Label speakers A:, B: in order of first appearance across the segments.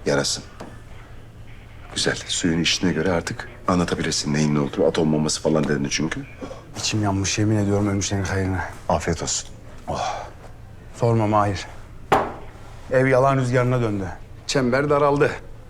A: Yarasın. Güzel. Suyun içtiğine göre artık anlatabilirsin neyin ne olduğunu. Atom bombası falan dedin çünkü.
B: İçim yanmış yemin ediyorum ölmüşlerin hayrına.
A: Afiyet olsun.
B: Sorma Mahir. Ev yalan rüzgarına döndü. Çember daraldı.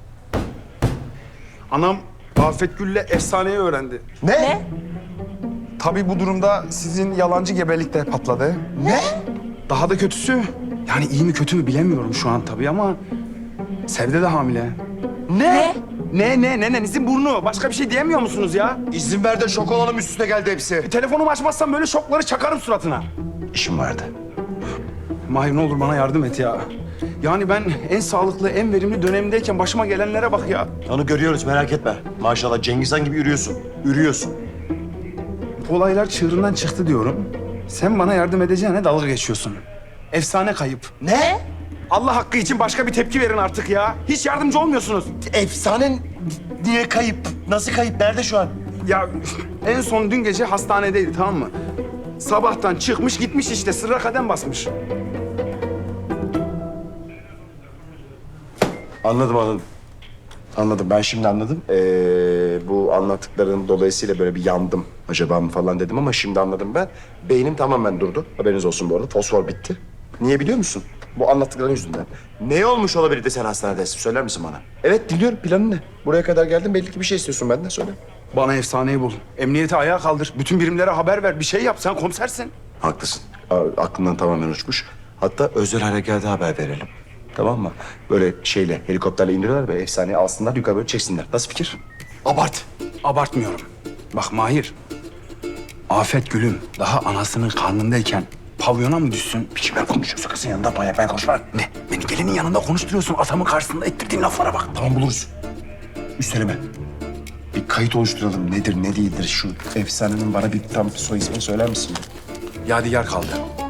B: Anam Afet Gül'le efsaneyi öğrendi.
A: Ne?
B: Tabii bu durumda sizin yalancı gebelik de patladı.
A: Ne?
B: Daha da kötüsü, yani iyi mi kötü mü bilemiyorum şu an tabii ama Sevde de hamile.
A: Ne?
B: Nenenizin burnu. Başka bir şey diyemiyor musunuz ya?
A: İzin ver de şok olalım, üstüne geldi hepsi.
B: Telefonumu açmazsam böyle şokları çakarım suratına.
A: İşim vardı.
B: Mahir ne olur bana yardım et ya. Yani ben en sağlıklı, en verimli dönemimdeyken başıma gelenlere bak ya.
C: Onu görüyoruz, merak etme. Maşallah Cengiz Han gibi yürüyorsun. Ürüyorsun.
B: Olaylar çığırından çıktı diyorum. Sen bana yardım edeceğine dalga geçiyorsun. Efsane kayıp.
A: Ne?
B: Allah hakkı için başka bir tepki verin artık ya. Hiç yardımcı olmuyorsunuz.
C: Efsane niye kayıp? Nasıl kayıp? Nerede şu an?
B: Ya en son dün gece hastanedeydi, tamam mı? Sabahtan çıkmış gitmiş işte, sırra kadem basmış.
A: Anladım. Anladım. Ben şimdi anladım. Bu anlattıkların dolayısıyla böyle bir yandım. Acaba mı falan dedim ama şimdi anladım ben. Beynim tamamen durdu. Haberiniz olsun bu arada. Fosfor bitti. Niye biliyor musun? Bu anlattıkların yüzünden. Ne olmuş olabilir de sen hastanedesin? Söyler misin bana? Evet, dinliyorum. Planın ne? Buraya kadar geldin. Belli ki bir şey istiyorsun benden. Söyle.
B: Bana efsaneyi bul. Emniyeti ayağa kaldır. Bütün birimlere haber ver. Bir şey yap. Sen komisersin.
A: Haklısın. Aklından tamamen uçmuş. Hatta özel harekata haber verelim. Tamam mı? Böyle şeyle, helikopterle indiriyorlar ve efsaneyi alsınlar, yukarı böyle çeksinler. Nasıl fikir?
B: Abart. Abartmıyorum. Bak Mahir. Afet Gül'üm daha anasının karnındayken pavyona mı düşsün?
A: Kimler konuşuyorsa kızın yanında bayağı ben konuşmam.
B: Ne? Beni gelinin yanında konuşturuyorsun. Atamın karşısında ettirdiğin laflara bak.
A: Tamam, buluruz. Üsteleme. Bir kayıt oluşturalım. Nedir, ne değildir şu efsanenin bana bir tam soy ismini söyler misin?
B: Yadigar kaldı.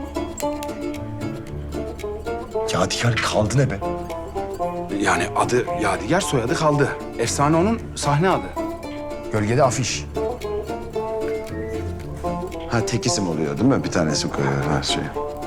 A: Yadigar kaldı ne be?
B: Yani adı Yadigar, soyadı kaldı. Efsane onun sahne adı. Gölgede afiş.
A: Ha, tek isim oluyor değil mi? Bir tane isim koyuyor her şey.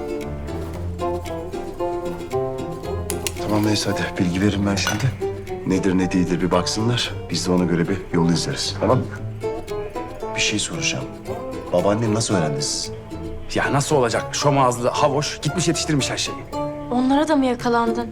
A: Tamam neyse hadi bilgi veririm ben şimdi. Nedir ne değildir bir baksınlar. Biz de ona göre bir yol izleriz. Tamam mı? Bir şey soracağım. Babaannen nasıl öğrendi siz?
B: Ya nasıl olacak? Şom ağızlı, havoş, gitmiş yetiştirmiş her şeyi.
D: Onlara da mı yakalandın?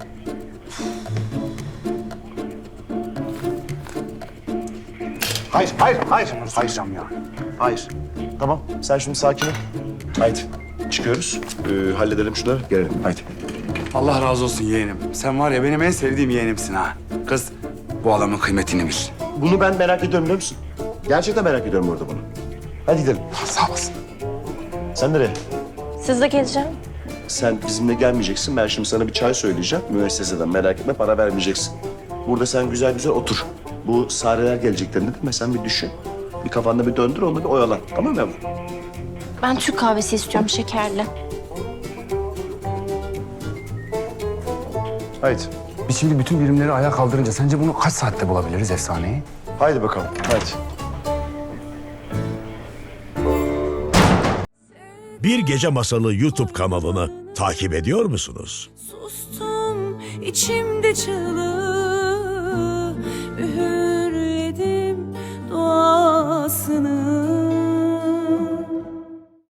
A: Hayır.
B: Sayacağım ya.
A: Hayır. Tamam sen şimdi sakin ol. Haydi çıkıyoruz. Halledelim şunları gelelim. Haydi.
B: Allah razı olsun yeğenim. Sen var ya benim en sevdiğim yeğenimsin ha. Kız, bu adamın kıymetini bil.
C: Bunu ben merak ediyorum biliyor musun? Gerçekten merak ediyorum orada bunu. Hadi gidelim.
B: Sağ olasın.
C: Sen nereye?
D: Siz de geleceğim.
C: Sen bizimle gelmeyeceksin. Ben şimdi sana bir çay söyleyeceğim. Müesseseden merak etme, para vermeyeceksin. Burada sen güzel güzel otur. Bu Sareler geleceklerini değil mi? Sen bir düşün. Bir kafanda bir döndür, onu bir oyalan. Tamam mı yavrum?
D: Ben Türk kahvesi istiyorum, şekerli.
A: Haydi.
B: Biz şimdi bütün birimleri ayağa kaldırınca sence bunu kaç saatte bulabiliriz efsaneyi?
A: Haydi bakalım. Haydi.
E: Bir Gece Masalı YouTube kanalını takip ediyor musunuz?
F: Sustum içimde çığlığı, üğürledim duasını.